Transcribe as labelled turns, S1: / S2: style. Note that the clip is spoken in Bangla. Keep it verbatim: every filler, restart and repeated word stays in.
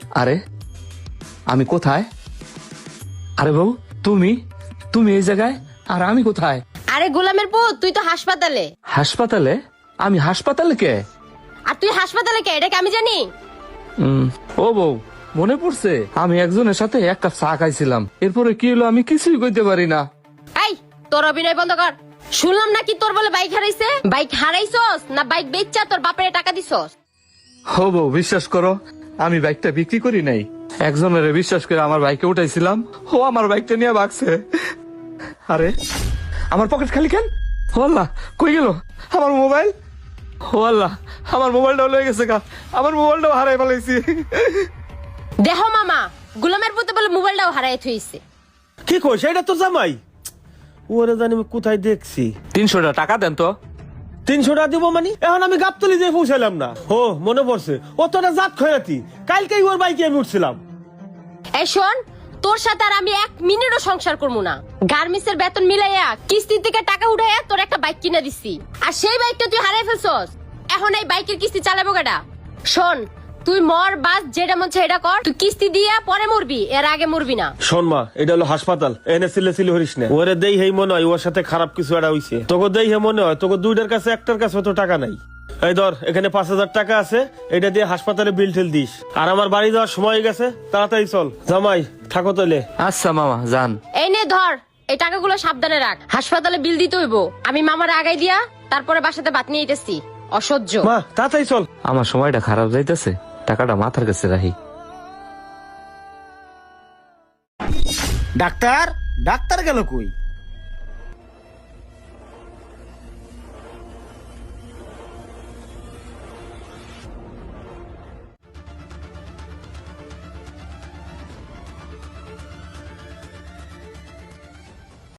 S1: আরে আমি কোথায়? আরে বউ তুমি তুমি এই জায়গায় আর আমি কোথায়?
S2: আরে গোলামের পুত, তুই তো হাসপাতালে।
S1: হাসপাতালে? আমি হাসপাতালে কে?
S2: আর তুই হাসপাতালে কে এটা কি আমি জানি?
S1: উম, ও বউ মনে পড়ছে, আমি একজনের সাথে এক কাপ চা খাইছিলাম, এরপরে কি হলো আমি কিছুই কইতে পারি না।
S2: এই তোর অভিনয় বন্ধ কর। শুনলাম নাকি তোর বলে বাইক হারাইছে। বাইক হারাইছস না বাইক বেচা তোর বাপের টাকা দিছস?
S1: হো বউ বিশ্বাস করো, আমি বাইকটা বিক্রি করি নাই, একজনের বিশ্বাস করে আমার বাইকে উঠাইছিলাম, ও আমার বাইকটা নিয়ে ভাগছে। আরে আমার পকেট খালি কেন? ও আল্লাহ, কই গেল আমার মোবাইল? ও আল্লাহ, আমার মোবাইলটাও লয়ে গেছে গা, আমার মোবাইলটাও হারাই ফেলাইছি।
S2: দেহ মামা, গোলামের পুতে বলে মোবাইলটাও হারাই থইছে।
S3: কি কইছ? এটা তো জামাই। ওরে জানি আমি কোথায় দেখছি।
S1: তিনশো টাকা দেন তো।
S3: তিনশো টাকা দিব মানে? এখন আমি গাবতলি দিয়ে পৌঁছালাম না। ও মনে পড়ছে, ও তো একটা জাত খয়াতি, কালকেই ওর বাইকে আমি উঠছিলাম।
S2: এই শোন, তোর সাথে আর আমি এক মিনিটও সংসার করবো না। গার্মেন্টসের বেতন মিলাইয়া কিস্তি থেকে টাকা উঠাইয়া তোর একটা বাইক কিনে দিছি, আর সেই বাইকটা তুই হারাই ফেলছস। এখন এই বাইকের কিস্তি চালাবো কেডা? শোন, তুই মর বাস যেটা মন চায় এটা কর। তুই কিস্তি দিয়া পরে মরবি, এর আগে মরবি না।
S3: শোন মা, এটা হলো হাসপাতাল, এনে সিলে সিলে হরিস না। ওরে দেই হেই মনে হয় ওর সাথে খারাপ কিছু একটা হইছে। তোকে দেই হে মনে হয় তোকে দুইটার কাছে একটার কাছে তো টাকা নাই। এই ধর, এখানে পাঁচ হাজার টাকা আছে, এটা দিয়ে হাসপাতালে বিল টিল দিস। আর আমার বাড়ি যাওয়ার সময় হয়ে গেছে, তাড়াতাড়ি চল। জামাই থাকো তাইলে।
S1: আচ্ছা মামা যান।
S2: এই নে ধর, এই টাকাগুলো সাবধানে রাখ। হাসপাতালে বিল দিতে হইব। আমি মামার আগাই দিয়া তারপরে বাসাতে ভাত নিয়ে আইতেছি। অসহ্য।
S3: মা তাড়াতাড়ি চল।
S1: আমার সময়টা খারাপ যাইতেছে, টাকাটা মাথার কাছে রাখি।
S4: ডাক্তার ডাক্তার গেল কই?